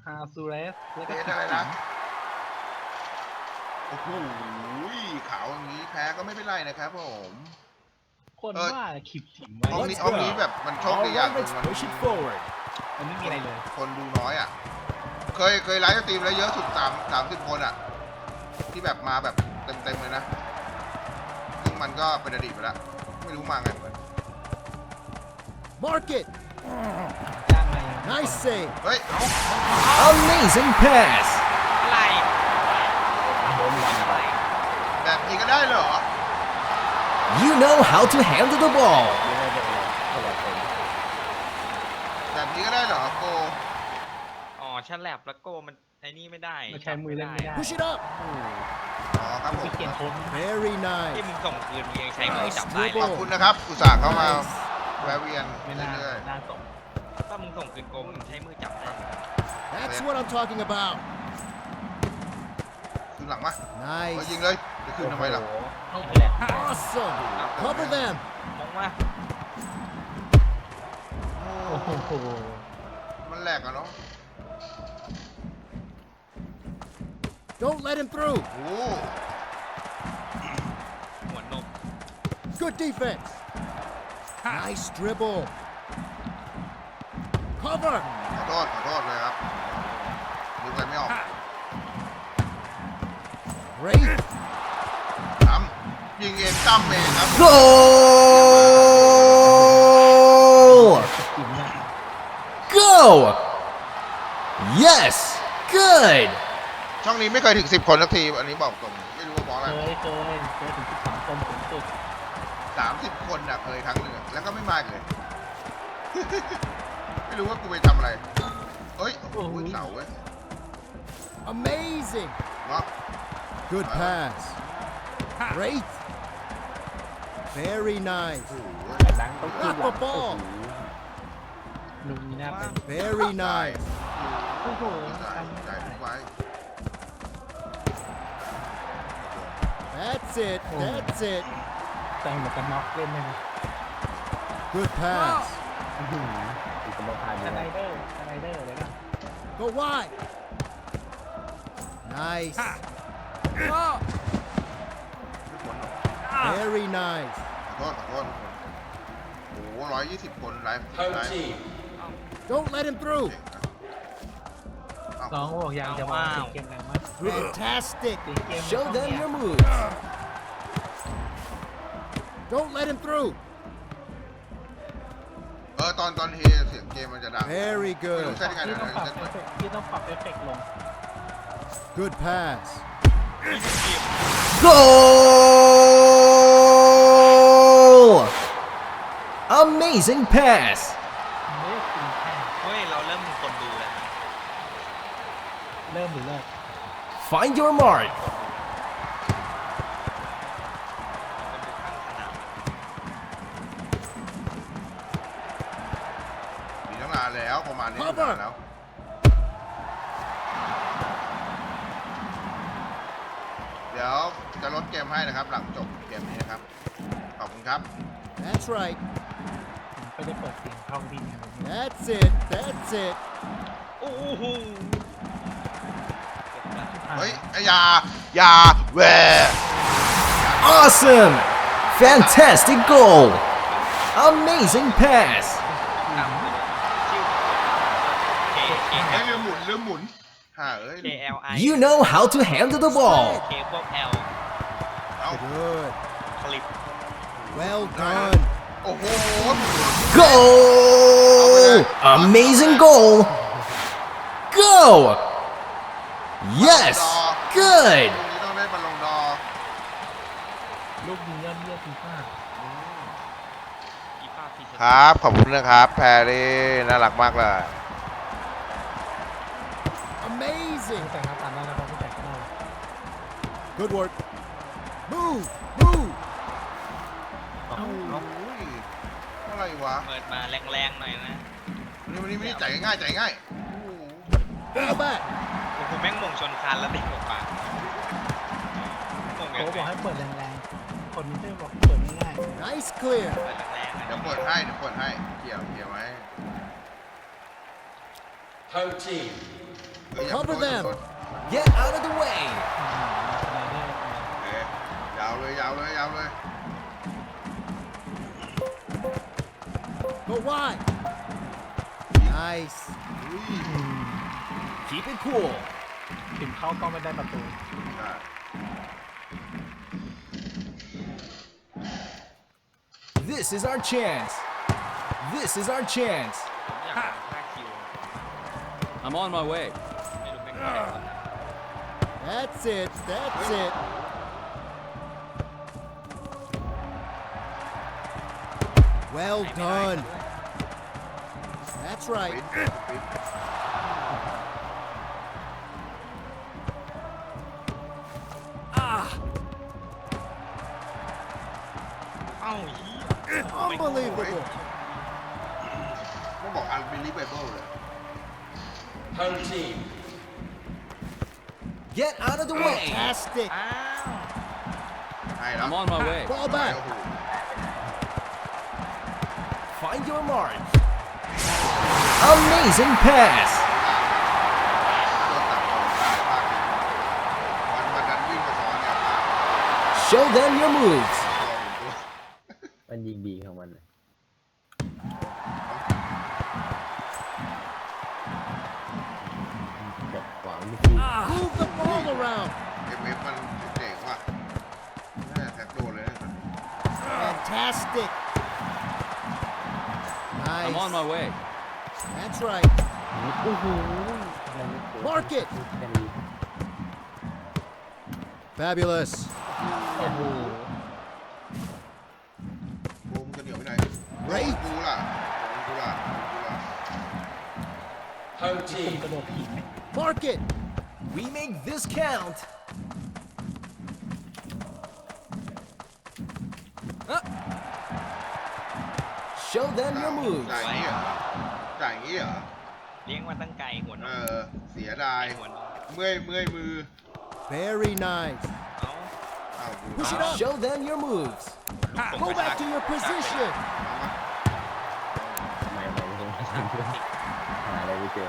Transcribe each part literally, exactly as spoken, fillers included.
ฮาซูเรสแล้วก็เดอะไรนะโอ้โหขาวอย่างนี้แพ้ก็ไม่เป็นไรนะครับผมคนว่าขิบถิ่มไว้ห้องนี้ห้องนี้แบบมันโชคดีอย่างหนึ่งมัน push it forward มันไม่มีอะไรเลยคนดูน้อยอ่ะเคยเคยไลฟ์สตรีมแล้วเยอะสุดสามสามสิบคนอ่ะที่แบบมาแบบเต็มเต็มเลยนะซึ่งมันก็เป็นอดีตไปแล้วไม่รู้มาไงเหมือน mark it จ้างมา nice save เฮ้ย Amazing pass. อะไรแบบนี้ก็ได้เหรอ You know how to handle the ball. แบบนี้ก็ได้เหรอโกอ๋อฉันแลบแล้วโก้มันไอ้นี่ไม่ได้มันใช้มือเล่นไม่ได้ push it up อ๋อครับผพี่มเกียนโค้ง very ที่ nice มึงส่งคืนมึงยังใช้มือจับได้เลขอย บคุณนะครับอุตส่าห์เข้ามาแวะเวียนไม่น่าเรื่อยน่าสมถ้ามึงส่งคืนโกมึงใช้มือจับได้ that's what I'm talking about ๆคือหลังมาเฮ้ย nice ยิงเลยจะคืนทำไมล่ะเข้าไปแหละ awesome cover them มองว่าโอ้โหมันแหลกอะเนาะ don't let him through โอ้หัวนม good defense nice dribble cover ขอโทษขอโทษเลยครับนึกอะไรไม่ออก great ทำยิงเองตั้มเองครับ Goal! ถิ่มเนี่ย Go! Yes! Good! ช่องนี้ไม่เคยถึงสิบคนสักทีอันนี้บอกตรงไม่รู้ว่าเพราะอะไรเคยเคยเคยถึงสิบสองคนสูงสุดสามสิบคนน่ะเคยครั้งหนึ่งอะแล้วก็ไม่มาอีกเลย ไม่รู้ว่ากูไปทำอะไรเฮ้ยโอ้โหเสาเว้ย amazing เนาะ good pass great very nice แต่หลังต้องขึ้นหลัง Up the ball ลุงนี่น่าเป็น very nice โอ้โหจ่ายทำจ่ายทุกไว้ that's it that's it แต่งหมวกกันน็อกเล่นได้ไหม good pass สไลเดอร์สไลเดอร์เลยนะ go wide nice ไม่พ้นหรอก very nice ขอโทษขอโทษทุกคนโอ้โหร้อยยี่สิบคนไลฟ์ไลฟ์ don't let him through เอ้าน้องบอกยังจะมาติดเกมแรงมาก fantastic ติดเกม Show them your moves. don't let him through เออตอนตอนเฮเสียงเกมมันจะดัง very ไม่ good รู้ใช่ยังไงที่นะต้องปรับเอฟเฟกต์ที่ต้องปรับเอฟเฟกต์ลง good pass Goal! Amazing pass. เลิกกินแค่เฮ้ยเราเริ่มมีคนดูแล้วเริ่มหรือเลิก Find your mark. คนดูข้างสนามมีตั้งนานแล้วประมาณนี้นานแล้วเดี๋ยวจะลดเกมให้นะครับ หลังจบเกมนี้นะครับขอบคุณครับ that's right ผมก็จะเปิดเสียงเข้าดินอย่างนี้ that's it that's it โอ้โหเฮ้ยอย่าอย่าแหว Awesome! Fantastic goal! Amazing pass. ตามชื่อ K K เฮ้ย L ลืมหมุนลืมหมุนฮ่าเอ้ย K L I You know how to handle the ball. K พวก L เอ้า good คลิป well done โอ้โห Goal! Amazing goal! Go! Yes! Good! ลูกนี้ต้องได้บอลลงดอลูกยิงยอดเยี่ยมฟีฟ่าอีป้าพีครับขอบคุณนะครับแพรรี่น่ารักมากเลย amazing แต่งหน้าตาได้แล้วเราไม่แต่งก็ได้ good work move move เอ้าอะไรวะเปิดมาแรงๆหน่อยนะวันนี้วันนี้ไม่ได้จ่ายง่ายจ่ายง่าย go back โอ้โหแม่งมงชนคานแล้วเด็กออกมาโค้มงยังบอกไงให้เปิดแรงๆ คนไม่ได้บอกเปิดง่าย nice clear เปิดแรงๆเดี๋ยวเปิดให้เดี๋ยวเปิด ดให้เกี่ยวเกี่ยวไหม Home team เฮ้ยอย่า Cover โดนอย่า them โดน Get out of the way. โอเคยาวเลยยาวเลยยาวเลย Go wide. Nice. อุ้ย Keep it cool. ถึงเข้าก็ไม่ได้ประตูได้ This is our chance. This is our chance. ผมอยากลองฆ่าคิว I'm on my way. ไม่รู้เป็นใครครับ That's it. That's it. Well ให้ไม่ได้ done. ด้วย That's ปิ right. ดปิดเอ้าเหี้ย Unbelievable. ต้องบอก unbelievable เลย Get out of the way. Fantastic. อ้าวให้แล้ว I'm on my way. Ball back. โอ้โห Find your mark. Amazing pass. โดนตัดออกได้มากเลยวันวันนั้นวิ่งมาซ้อนเนี่ยพลาด Show them your moves. ตัวหนึ่งตัวมันยิงดีของมันน่ะจับขวางไม่ดี Move the ball around. เอ็มเอฟมันเจ๋งว่ะน่าจะแท็กโดนเลยนะ Fantastic. I'm on Nice. my way. That's right. โอ้โห Mark it. Fabulous. โอ้โหบูมจะเหนียวไปไหน Great. กูล่ะกูล่ะกูล่ะกระโดดถีบ Mark it. We make this count. Uh. Show them your moves. จ่ายอย่างนี้เหรอจ่ายอย่างนี้เหรอเลี้ยงมาตั้งไกลหัวนเอมอ เสียดายหัวนมเมื่อยเมื่อยมือ Very nice. เอ้าอ้าวกู Push it มา up. Show them your moves. ผม Go ไป back ชัก to your position. ไม่ไม่ไม่ต้องหาอะไรไม่เจอ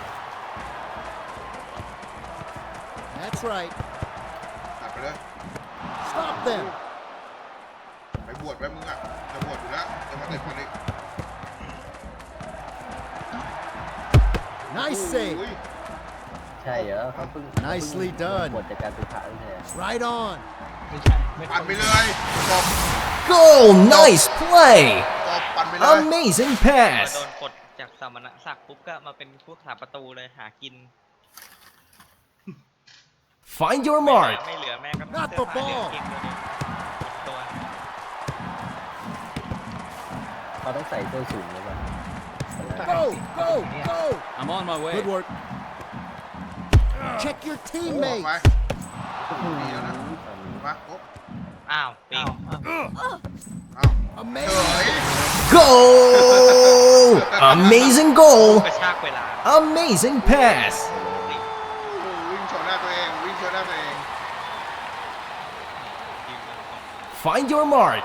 That's right. ตัดไปเลย Stop them. ไปบวชไปมึงอ่ะจะบวชอยู่แล้วจะมาเตะบอลอีก Nice save. อุ้ยใช่เหรอเขาเพิ่ง Nicely done หมดจากการศึกษาไม่ใช่เหรอ Right on. ไม่ใช่ไม่ปั่นไปเลยตบ Goal! Nice play. ตบปั่นไปเลย Amazing พอ pass. โดนกดจากสมณศักดิ์ปุ๊บก็มาเป็นพวกถาประตูเลยหากิน Find your ไม่เหลือ mark. ไม่เหลือแม่ก็ Not เสื้อ the ผ้าเหลือ ball เกงตัวเดียวหมดตัวเขาต้องใส่ส้นสูงหรือเปล่า Go, go, go. I'm on my way. Good work. Check your ออก teammates. ไปดีแล้วนะมาโอ้อ้าวปิงอ้าวเฉ Amazing. ย Goal! Amazing ก goal. ระชากเวลา Amazing pass. โอ้โหวิ่งชนหน้าตัวเองวิ่งชนหน้าตัวเองยืนมาก่อน Find your mark.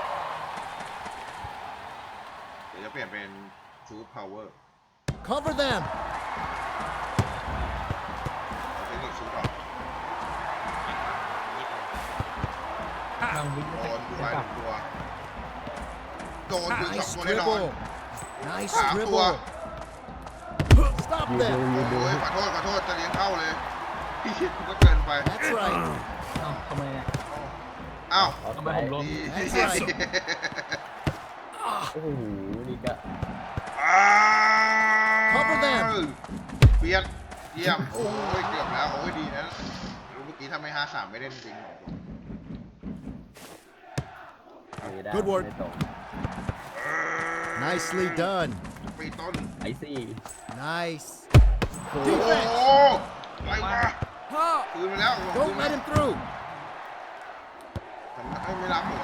เดี๋ยวจะเปลี่ยนเป็นชูดพาวเวอร์ Cover them. เทคนิคชูดออกทางวิ่งโดไม่นใส่ดูไม่ไปกลับหนึ่งตัวโดนถึงสอง Nice ตัวแน่นอน dribble. Nice สามตัว dribble. Stop ยืนดู them. ยืนดูโอ้ยขอโทษขอโทษจะเลี้ยงเข้าเลยพี่คิดก็เกินไป That's right. เอ้าทำไมอ่ะอ้าวเอาดีทำไมผมล้ม That's right. โอ้โหนี่ก็อ้าว Cover them เบียดเยี่ยมโอ้ยเกือบแล้วโอ้ยดีนะรู้เมื่อกี้ถ้าไม่ห้าสามไม่เล่นจริงไม่ได้ Good work ไม่ตก Nicely done. ปีต้นไอซี่ Nice. โอ้โห Defense. อะไรวะคืนไปแล้วคืน Don't ไป let him through. ทำไมไม่รับหัว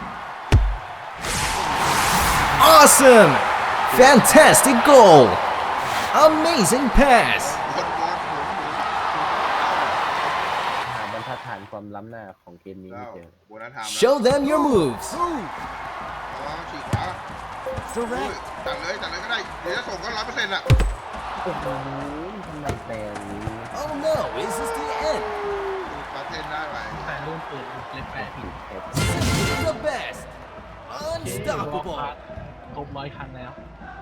Awesome! Fantastic goal! Amazing pass! บนบนหมุนหมุนหาบรรทัดฐานความล้ำหน้าของเกมนี้แล้ไม่วเจอโบนัสไทม์แล้ว Show them your moves. Move. อ๋อฉีกขวาอุ้ย Direct. ตัดเลยตัดเลยก็ได้ เดี๋ยวจะส่งก็ร้อยเปอร์เซ็นต์อ่ะโอ้โหทำไมแปลงนี้ I'm is this the end? ปาเทนได้ไหมแต่รุ่นปืนเล็กแปดผิด Simply the best. ครบ Unstoppable. ครบร้อยคันแล้ว